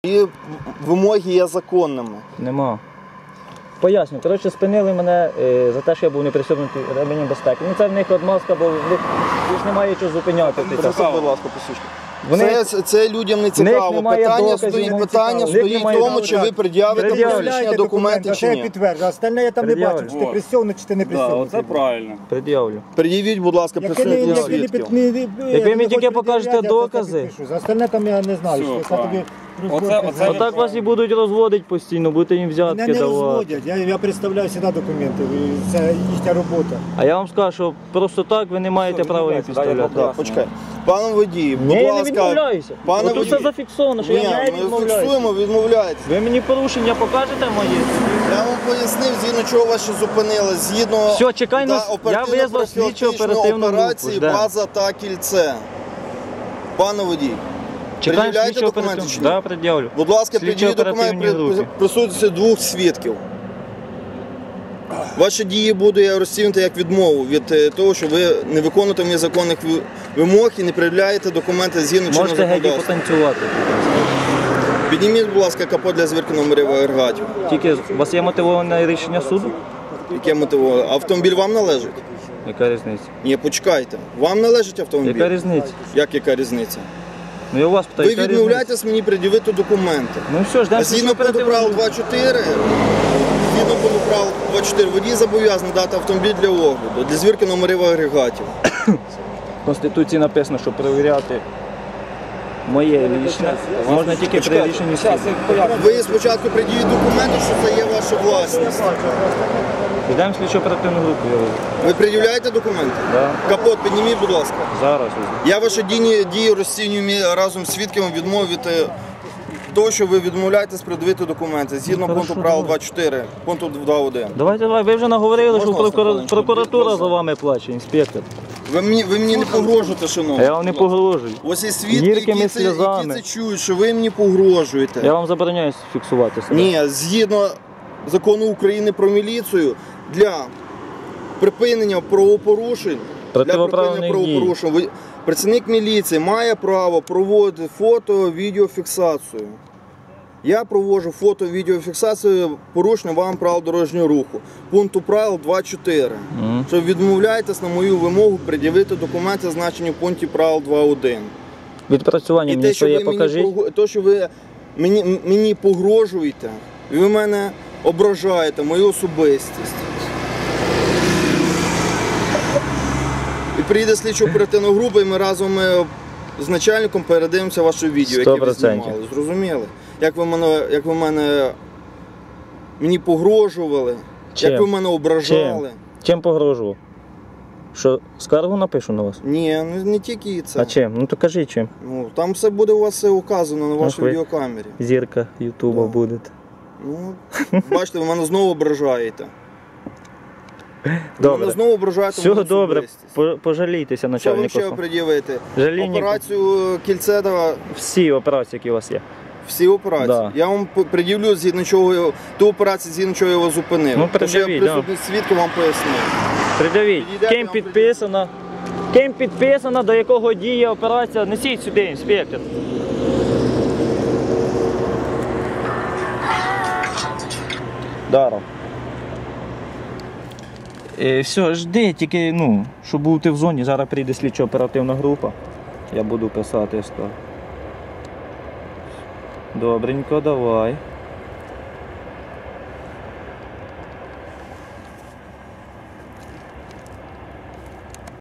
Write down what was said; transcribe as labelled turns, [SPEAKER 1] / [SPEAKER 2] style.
[SPEAKER 1] І вимоги є законними.
[SPEAKER 2] Нема. Поясню. Коротше, спинили мене за те, що я був не пристебнутий ремінням безпеки. Ну це в них отмазка, бо в них ж немає чого зупиняти.
[SPEAKER 1] Будь ласка, посвідчення. Це людям не цікаво. Питання стоїть в тому, чи ви пред'явите посвідчення документи чи ні.
[SPEAKER 3] Підтверджую. Остальне я там не бачу, чи ти пристебнутий, чи ти не пристебнутий.
[SPEAKER 4] Це правильно.
[SPEAKER 2] Пред'явлю.
[SPEAKER 1] Пред'явіть, будь ласка, присутні свідків.
[SPEAKER 2] Як ви мені тільки покажете докази.
[SPEAKER 3] За остальне там я не знаю, що я тобі...
[SPEAKER 2] Отак вас і будуть розводити постійно, будете їм взятки
[SPEAKER 3] Мене не
[SPEAKER 2] давати.
[SPEAKER 3] розводять, я представляю завжди документи, це їхня робота.
[SPEAKER 2] А я вам скажу, що просто так ви не маєте права їх підставляти.
[SPEAKER 1] Так, почекай. Пане водій, будь
[SPEAKER 2] Ні, я не
[SPEAKER 1] ласка.
[SPEAKER 2] відмовляюся. Тут все зафіксовано, що я не
[SPEAKER 1] Ми
[SPEAKER 2] відмовляюся.
[SPEAKER 1] фіксуємо, відмовляєтесь.
[SPEAKER 2] Ви мені порушення покажете моє?
[SPEAKER 1] Я вам пояснив, згідно чого вас ще зупинили. Згідно
[SPEAKER 2] Все, чекай, я визвав слідчу оперативну
[SPEAKER 1] операції
[SPEAKER 2] групу.
[SPEAKER 1] «База та кільце». Пане водій,
[SPEAKER 2] Чекаємо
[SPEAKER 1] пред'являєте
[SPEAKER 2] слідчу
[SPEAKER 1] документи чи ні?
[SPEAKER 2] оперативну. Так, пред'явлю.
[SPEAKER 1] Будь ласка,
[SPEAKER 2] Слідчо
[SPEAKER 1] пред'явіть документ
[SPEAKER 2] оперативній групі.
[SPEAKER 1] присутності двох свідків. Ваші дії буду я розцінити як відмову від того, що ви не виконуєте мені законних вимог і не пред'являєте документи згідно чинного
[SPEAKER 2] Можете геть і
[SPEAKER 1] законодавства.
[SPEAKER 2] потанцювати.
[SPEAKER 1] Підніміть, будь ласка, капот для звірки номерів агрегатів.
[SPEAKER 2] Тільки у вас є мотивоване рішення суду?
[SPEAKER 1] Яке мотивує? Автомобіль вам належить?
[SPEAKER 2] Яка різниця?
[SPEAKER 1] Ні, почекайте. Вам належить автомобіль?
[SPEAKER 2] Яка різниця?
[SPEAKER 1] Як яка різниця?
[SPEAKER 2] Ну я у вас питаю,
[SPEAKER 1] Ви
[SPEAKER 2] яка різниця?
[SPEAKER 1] відмовляєтесь мені пред'явити документи.
[SPEAKER 2] Ну все, ждемо
[SPEAKER 1] А згідно пункту правил 2.4, водій зобов'язаний дати автомобіль для огляду, для звірки номерів агрегатів.
[SPEAKER 2] В Конституції написано, що перевіряти моє рішення можна тільки при рішенні суду.
[SPEAKER 1] Ви спочатку пред'явіть документи, що це є ваша власність.
[SPEAKER 2] Йдемо слідчу оперативну групу.
[SPEAKER 1] Ви пред'являєте документи?
[SPEAKER 2] Да.
[SPEAKER 1] Капот підніміть, будь ласка.
[SPEAKER 2] Зараз.
[SPEAKER 1] Я ваші дії розцінюю разом з свідками відмови від того, що ви відмовляєтесь пред'явити документи. Згідно пункту правил 2.4, пункту 2.1.
[SPEAKER 2] Давайте, ви вже наговорили,
[SPEAKER 1] Можна
[SPEAKER 2] що
[SPEAKER 1] вас на хвилинку?
[SPEAKER 2] прокуратура за вами плаче, інспектор.
[SPEAKER 1] Ви мені не погрожуєте,
[SPEAKER 2] А
[SPEAKER 1] шановні.
[SPEAKER 2] я вам не погрожую.
[SPEAKER 1] Ось є свідки,
[SPEAKER 2] Гіркими
[SPEAKER 1] які це
[SPEAKER 2] сльозами.
[SPEAKER 1] чують, що ви мені погрожуєте.
[SPEAKER 2] Я вам забороняю фіксувати себе.
[SPEAKER 1] Ні, згідно закону України про міліцію, для припинення правопорушень,
[SPEAKER 2] Противоправних дій.
[SPEAKER 1] Працівник міліції має право проводити фото-відеофіксацію. Я проводжу фото-відеофіксацію порушення вам правил дорожнього руху. Пункту правил 2.4. Що відмовляєтесь на мою вимогу пред'явити документи, зазначені в пункті правил 2.1.
[SPEAKER 2] Відпрацювання мені своє покажіть.
[SPEAKER 1] Те, що ви мені погрожуєте, і ви мене ображаєте, мою особистість. І приїде слідчо оперативна група, і ми разом з начальником передивимося ваше відео, яке ви
[SPEAKER 2] 100%.
[SPEAKER 1] знімали. Зрозуміли? Як ви мені погрожували,
[SPEAKER 2] Чим?
[SPEAKER 1] як ви мене ображали.
[SPEAKER 2] Чим погрожував? Що, скаргу напишу на вас?
[SPEAKER 1] Ні, не тільки це.
[SPEAKER 2] А чим? Ну то кажіть чим.
[SPEAKER 1] Ну, там все буде у вас все указано на вашій
[SPEAKER 2] ви.
[SPEAKER 1] відеокамері.
[SPEAKER 2] Зірка Ютуба будете.
[SPEAKER 1] Ну, бачите, ви мене знову ображаєте. Ви
[SPEAKER 2] Добре.
[SPEAKER 1] мене знову ображаєте.
[SPEAKER 2] Все
[SPEAKER 1] мою
[SPEAKER 2] добре,
[SPEAKER 1] особистість.
[SPEAKER 2] пожалійтеся
[SPEAKER 1] Що ви
[SPEAKER 2] начальнику.
[SPEAKER 1] ще пред'явите?
[SPEAKER 2] Жаління.
[SPEAKER 1] Операцію кільце,
[SPEAKER 2] Всі операції, які у вас є.
[SPEAKER 1] всі операції.
[SPEAKER 2] Да.
[SPEAKER 1] Я вам пред'явлю, згідно чого ту операцію, згідно чого я вас зупинив.
[SPEAKER 2] Ну,
[SPEAKER 1] Тому що я
[SPEAKER 2] пред'явіть,
[SPEAKER 1] присутній свідки вам пояснив.
[SPEAKER 2] Придавіть.
[SPEAKER 1] Підійдете,
[SPEAKER 2] Ким
[SPEAKER 1] вам
[SPEAKER 2] підписано? Ким підписано, до якого діє операція? Несіть сюди, інспектор. Даром. Все, жди, тільки, щоб бути в зоні, зараз прийде слідчо оперативна група. Я буду писати скажу. Добренько, давай.